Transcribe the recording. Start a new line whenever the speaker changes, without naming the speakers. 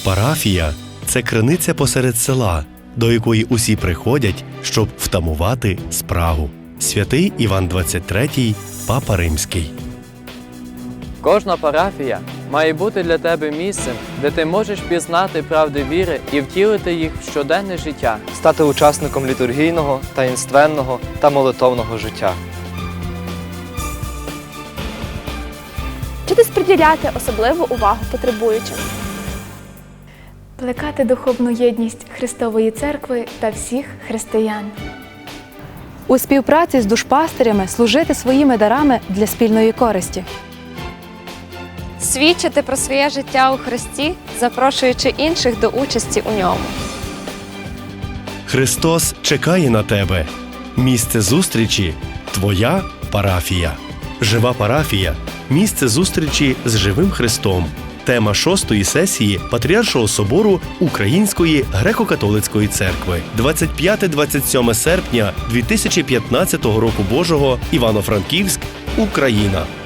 Парафія – це криниця посеред села, до якої усі приходять, щоб втамувати спрагу. Святий Іван XXIII, Папа Римський.
Кожна парафія має бути для тебе місцем, де ти можеш пізнати правди віри і втілити їх в щоденне життя.
Стати учасником літургійного, таїнственного та молитовного життя.
Вчитись приділяти особливу увагу потребуючим.
Плекати духовну єдність Христової Церкви та всіх християн.
У співпраці з душпастирями служити своїми дарами для спільної користі.
Свідчити про своє життя у Христі, запрошуючи інших до участі у ньому.
Христос чекає на тебе. Місце зустрічі – твоя парафія. Жива парафія – місце зустрічі з живим Христом. Тема 6-ї сесії Патріаршого собору Української греко-католицької церкви. 25-27 серпня 2015 року Божого, Івано-Франківськ, Україна.